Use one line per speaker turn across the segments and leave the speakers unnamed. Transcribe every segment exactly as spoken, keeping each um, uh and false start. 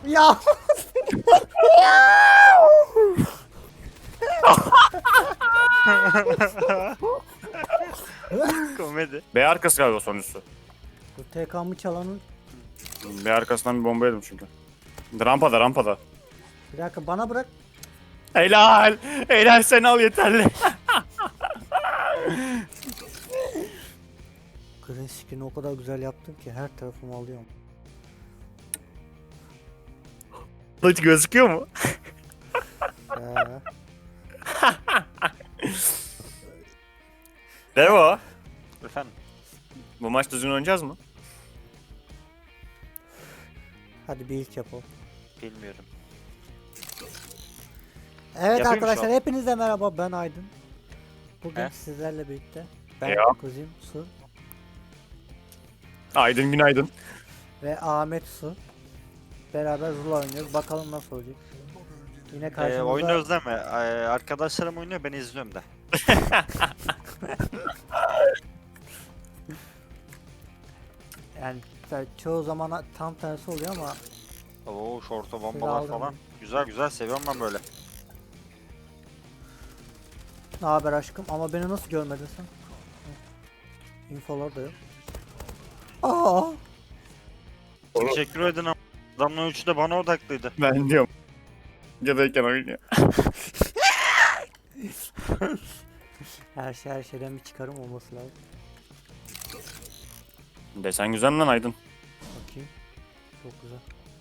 Ya.
Komedi.
B arkası galiba sonuncusu.
Bu T K'mı çalanın.
B arkasından bir bomba yedim çünkü. Rampada rampada.
Bir dakika bana bırak.
Helal. Helal sen al yeterli.
Green screen'i o kadar güzel yaptım ki her tarafımı alıyorum.
Hiç gözüküyor mu?
Ya.
Devo.
Efendim.
Bu maç düzgün oynayacağız mı?
Hadi bir ilk yapalım.
Bilmiyorum.
Evet
Yapayım
arkadaşlar
şu an.
hepinize merhaba, ben Aydın. Bugün
He?
sizlerle birlikte ben
Ya.
Kuzim Su
Aydın günaydın.
ve Ahmet Su beraber Zula oynuyoruz. Bakalım nasıl olacak. Yine
Ee,
karşımızda
oynuyoruz değil mi? Ee, arkadaşlarım oynuyor, ben izliyorum da.
yani tabii çoğu zaman tam tersi oluyor ama
Oo, şorta
Şöyle
bombalar
aldım.
falan. Güzel güzel, seviyorum ben böyle.
ne haber aşkım, ama beni nasıl görmedin sen? İnfolar da yok. Aa!
Teşekkür edin ama adamların üçü de bana odaklıydı.
Ben diyorum. Videodayken oynuyor.
Her şey her şeyden bir çıkarım olması lazım.
Desen güzel lan Aydın.
Bakayım. Çok güzel.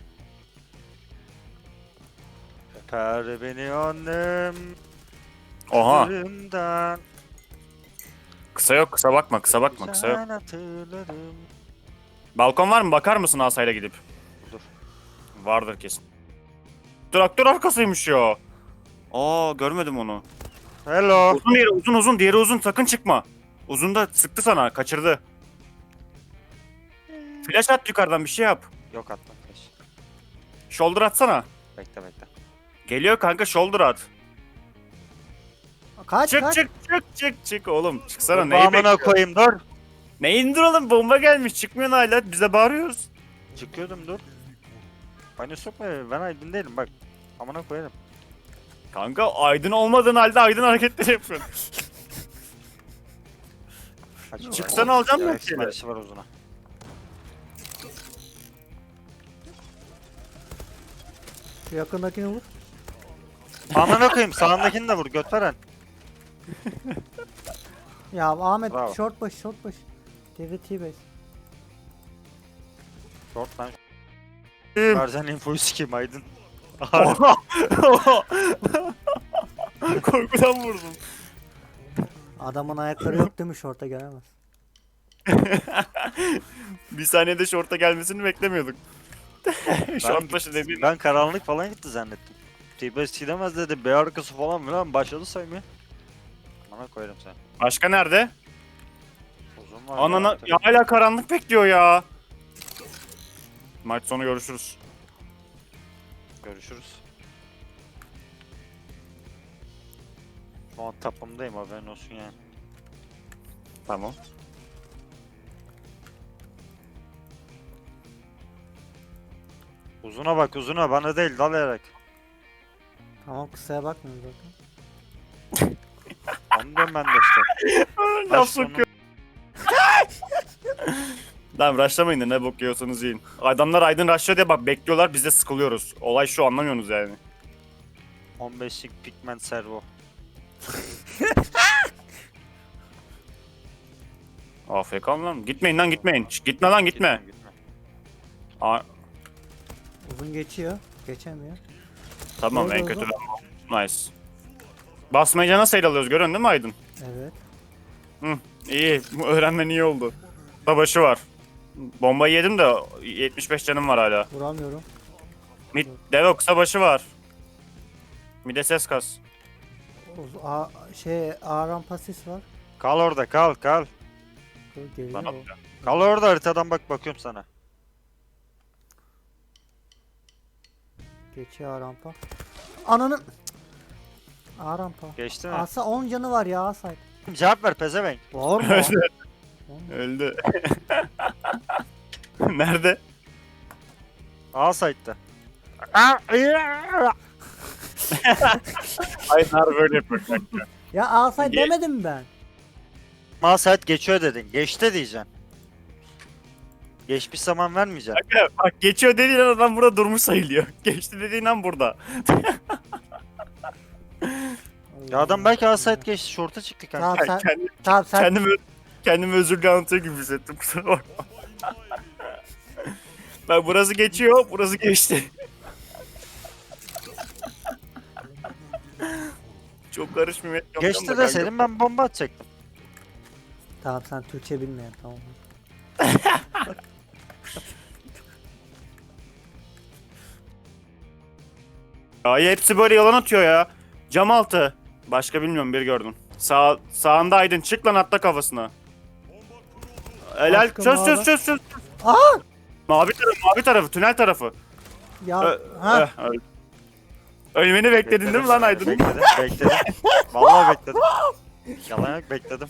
Öper beni annem.
Oha.
Üzerinden
Kısa yok, kısa bakma, kısa bakma, kısa yok.
güzel hatırlarım.
Balkon var mı? Bakar mısın asayla gidip?
Dur.
Vardır kesin. Traktör arkasıymış ya. Aa, görmedim onu.
Hello.
Uzun diğeri, uzun uzun, diğeri uzun, sakın çıkma. Uzun da sıktı sana, kaçırdı. Flash at yukarıdan, bir şey yap.
Yok attım kaç.
Shoulder atsana.
Bekle bekle.
Geliyor kanka, shoulder at.
Kaç
Çık
kaç.
çık çık çık çık oğlum. Çıksana,
Dur,
neyi
amına
bekliyorsun?
koyayım dur.
Ne indir oğlum, bomba gelmiş, çıkmıyorsun hala, bize bağırıyoruz.
Çıkıyordum dur. Bana sokma, ben Aydın değilim bak. Amına koyarım.
Kanka Aydın olmadığın halde Aydın hareketleri yapıyorsun.
Kaç
Çıksana, alacağım ben
Yarısı
seni.
marşı var uzuna.
Şu yakındakini vur.
Amına koyayım, sağındakini de vur göt veren.
Ya Ahmet
Bravo.
short baş short baş. T V T base.
Short lan. Verzen infoyu sikeyim Aydın.
Oha! Korkudan vurdum.
Adamın ayakları yok değil mi, short'a gelemez.
Bir saniyede şorta gelmesini beklemiyorduk. Şort başı dediğin.
Ben karanlık falan gitti zannettim. T-Base gidemez dedi. B arkası falan filan başladı saymaya. Bana koyarım sen.
Başka nerede?
Uzun var.
Anana
ya.
ya, hala karanlık bekliyor ya. Maç sonu görüşürüz.
Görüşürüz. Şu an tapımdayım, haberin olsun yani.
Tamam.
Uzuna bak uzuna, bana değil dalayarak.
Tamam, kısaya bakmıyorum zaten.
Onu diyorum ben de işte.
Laf
Baş sonu-
sokuyor. Tamam, rushlamayın da ne bok yiyorsanız yiyin. Adamlar Aydın rushlıyor diye bak bekliyorlar, biz de sıkılıyoruz. Olay şu, anlamıyorsunuz yani.
on beşlik pigment servo.
A F K lan. Gitmeyin lan, gitmeyin. Şş, gitme lan, gitme.
Gitme, gitme.
Aa,
Uzun geçiyor. Geçemiyor.
tamam,
Nerede
en kötü
oğlum?
ben. Nice. Basmayınca nasıl el alıyoruz, görüyorsun değil mi Aydın?
Evet.
Hı, iyi. Bu öğrenmen iyi oldu. Savaşı var. Bombayı yedim de yetmiş beş canım var hala.
Vuramıyorum.
Mid Devo, kısa başı var. Mide ses kas.
Uz A şey A rampasis var.
Kal orada, kal kal.
Dur, geliyor.
Lan
o.
atıyor.
Kal orada, haritadan bak, bakıyorum sana.
Geçiyor A rampa. Ananın. Cık. A rampa.
Geçti mi?
Asa on canı var ya, Asay.
Cevap ver pezevenk.
Var mı?
Öldü. Nerede?
A site'da.
Aynen böyle yapıyor kanka.
Ya alsay
Ye-
demedim mi ben?
Ma saat geçiyor dedin. Geçti diyeceksin. Geçmiş zaman vermeyeceksin.
Kanka bak geçiyor dediğin an adam burada durmuş sayılıyor. Geçti dediğin an burada.
Ya adam belki asayt geçti. Şorta çıktı kanka.
Tamam sen,
Kendim,
tamam sen,
kendimi, kendimi özürlü anlatıyor gibi hissettim. Kusura bakma. Bak burası geçiyor, burası geçti. Çok karışmıyor.
Geçti deseydin ben bomba atacaktım.
tamam sen Türkçe bilmeyen tamam.
Ay hepsi böyle yalan atıyor ya. Cam altı. Başka bilmiyorum bir gördüm. Sağ, sağında Aydın çık lan atla kafasına. Helal
Aşkım
çöz çöz
abi.
çöz çöz.
Aa!
Mavi tarafı mavi tarafı tünel tarafı.
Ya
Ö-
ha
ö- öl- Ölmeni bekledin değil mi lan Aydın?
Bekledim, bekledim. Vallahi bekledim. Yalan yok, bekledim.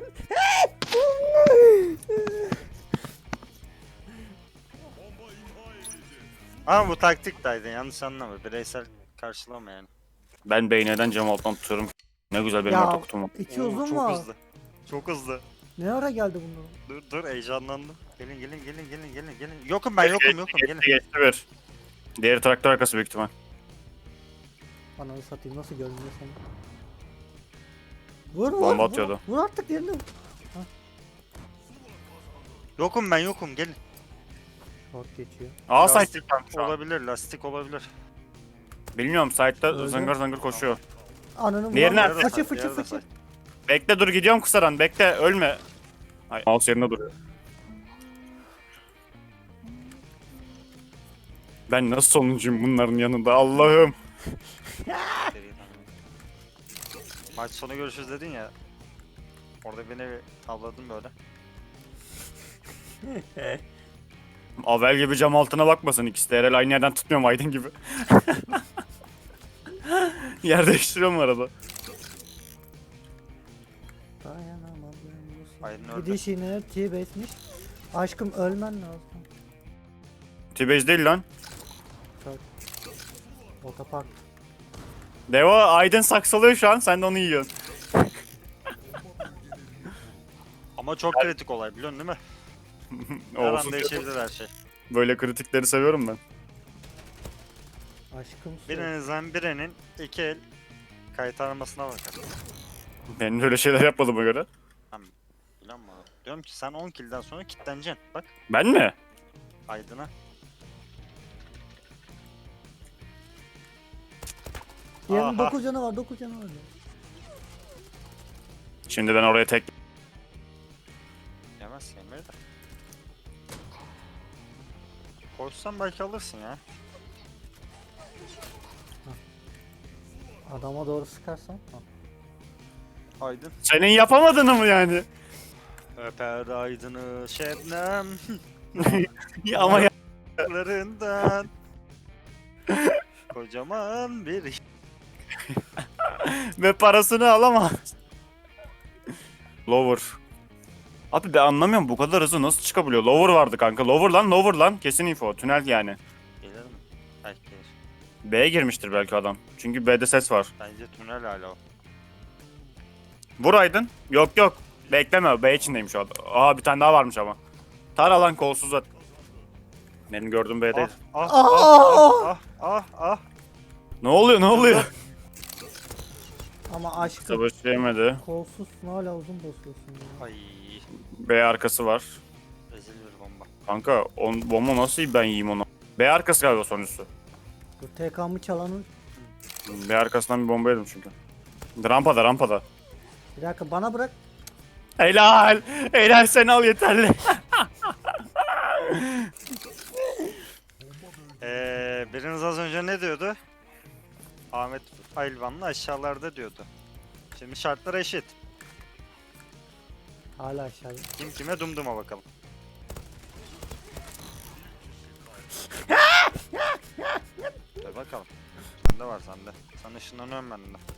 Ama bu taktik de Aydın, yanlış anlama. Bireysel karşılama yani.
Ben beyneden cam alttan tutuyorum. Ne güzel benim
Ya.
orta kutum var.
iki
Oo,
uzun
çok
var.
hızlı. Çok hızlı.
Ne ara geldi bunlar?
Dur dur, heyecanlandım. Gelin gelin gelin gelin gelin gelin. Yokum ben yokum yokum gelin.
Geçti geçti bir. Diğeri traktör arkası büyük ihtimal.
Ananı satayım nasıl görünüyor seni? Vur vur.
Bomba
vur.
atıyordu.
Vur artık yerine. vur.
Yokum ben yokum gelin.
Short geçiyor.
Aa site
Lastik
şu an.
olabilir, lastik olabilir.
Bilmiyorum site'da
Öldü.
zangır zangır koşuyor.
Ananı
Diğerine-
vur.
Diğeri de
Fıçı
side,
fıçı
diğeri de
fıçı.
side.
Bekle dur gidiyorum kısadan bekle ölme. Ay, mouse yerinde duruyor. Ben nasıl sonuncuyum bunların yanında Allah'ım.
Maç sonu görüşürüz dedin ya. Orada beni bir tavladın böyle.
Avel gibi cam altına bakmasın ikisi de. Herhalde aynı yerden tutmuyorum Aydın gibi. Yer değiştiriyorum arada.
Dayanamadım. bu
Aydın
sen-
öldü.
Gidişine T-base'miş. Aşkım ölmen lazım.
T-Base değil lan.
Otopark.
Deva Aydın saksalıyor şu an sen de onu yiyorsun.
Ama çok kritik olay biliyorsun değil mi? Her
Olsun.
an değişebilir her şey.
Böyle kritikleri seviyorum ben.
Aşkım su.
Birinizden birinin iki el kaytarmasına bakar.
Ben öyle şeyler yapmadığıma göre.
Biliyor musun? Diyorum ki sen on kill'den sonra kilitleneceksin. Bak
Ben mi?
Aydın'a.
Diğerinin
Aha.
dokuz canı var dokuz canı var.
Şimdi ben oraya tek...
Yemez yemeği de. Koşsan belki alırsın ya.
Adama doğru sıkarsan. Ha.
Aydın.
Senin yapamadığını mı yani?
Öper Aydın'ı Şebnem
Ya ama ya...
yanaklarından. Kocaman bir
Ve parasını alamaz. Lower. Abi ben anlamıyorum bu kadar hızlı nasıl çıkabiliyor? Lower vardı kanka. Lower lan lower lan. Kesin info. Tünel yani.
gelir mi? Belki gelir.
B'ye girmiştir belki adam. Çünkü B'de ses var.
Bence tünel hala o.
Vur Aydın. Yok yok. Bekleme. B içindeymiş o adam. Aha bir tane daha varmış ama. Tara lan kolsuz at. Benim gördüğüm B'de.
Ah ah
Aa!
ah ah ah ah.
Ne oluyor ne oluyor?
Ama aşkım
Savaş yemedi.
kolsuzsun hala uzun basıyorsun ya.
Ay
B arkası var.
rezil bir bomba.
Kanka on, bomba nasıl ben yiyeyim onu? B arkası galiba sonuncusu.
Bu T K'mı çalanın.
B arkasından bir bomba yedim çünkü. Rampada rampada.
Bir dakika bana bırak.
Helal. Helal sen al yeterli.
Ee, biriniz az önce ne diyordu? Ahmet Ayılvan'la aşağılarda diyordu. Şimdi şartlar eşit.
Hala aşağıya.
Kim kime dumduma bakalım. Dur bakalım. Sende var sende. Sen ışınlanıyorum ben de.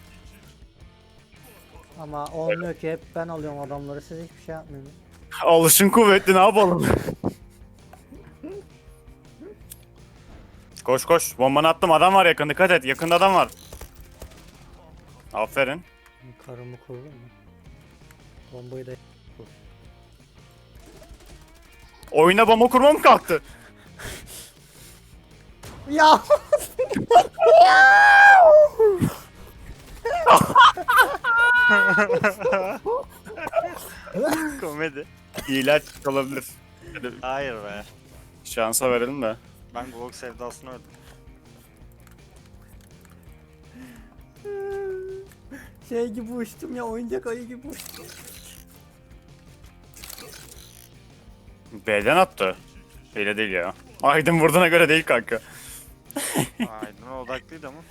Ama olmuyor ki hep ben alıyorum adamları siz hiçbir şey yapmıyorsunuz.
Alışın kuvvetli ne yapalım? Koş koş. Bombanı attım. Adam var yakın. Dikkat et. Yakında adam var. Aferin.
Karımı kurdum mu? Bombayı da kur.
Oyuna bomba kurma mı kalktı?
Ya!
Komedi.
İlaç olabilir. Hadi
Hayır be.
şansa verelim de.
Ben Glock sevdasını öldüm.
Şey gibi uçtum ya, oyuncak ayı gibi uçtum.
B'den attı. Öyle değil ya. Aydın vurduğuna göre değil kanka.
Aydın'a odaklıydı ama.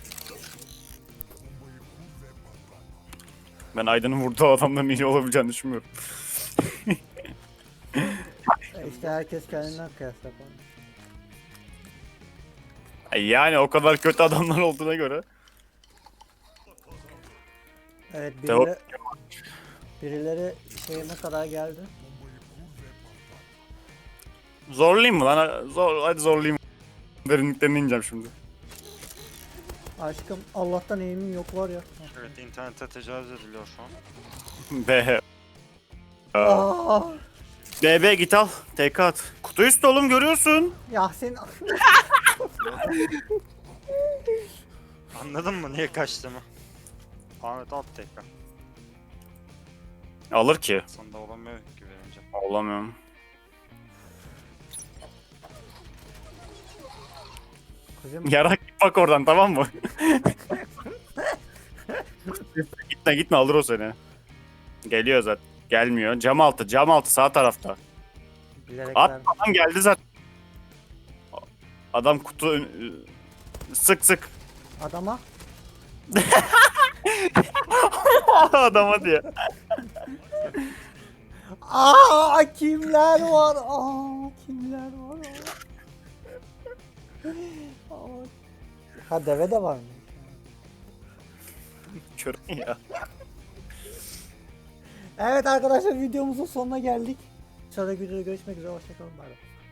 Ben Aydın'ın vurduğu adamdan iyi olabileceğini düşünmüyorum.
E İşte herkes kendinden kıyas yapar.
Yani o kadar kötü adamlar olduğuna göre.
Evet,
Devam.
birileri, birileri şeyime kadar geldi.
Zorlayayım mı lan? Zor, hadi zorlayayım. Derinliklerine ineceğim şimdi.
Aşkım Allah'tan eğimim yok var ya.
Evet, internete tecavüz ediliyor şu an.
B.
Aa,
B B git al. T K at. Kutu üstü oğlum görüyorsun.
ya sen
Anladın mı niye kaçtığımı? Ahmet at tekrar.
Alır ki.
Sonunda olamıyor ki verince.
Olamıyorum.
kızım
Yarak bak oradan tamam mı? Gitme gitme alır o seni. Geliyor zaten. Gelmiyor. Cam altı cam altı sağ tarafta.
bilerek
At
verdim.
adam geldi zaten. Adam kutu ön- sık sık.
Adama
Adama diye.
aa kimler var? Aa kimler var? Aa. Aa. Ha deve de var mı?
Kör ya.
Evet arkadaşlar, videomuzun sonuna geldik. Sonraki videoda görüşmek üzere, hoşçakalın. Bay bay.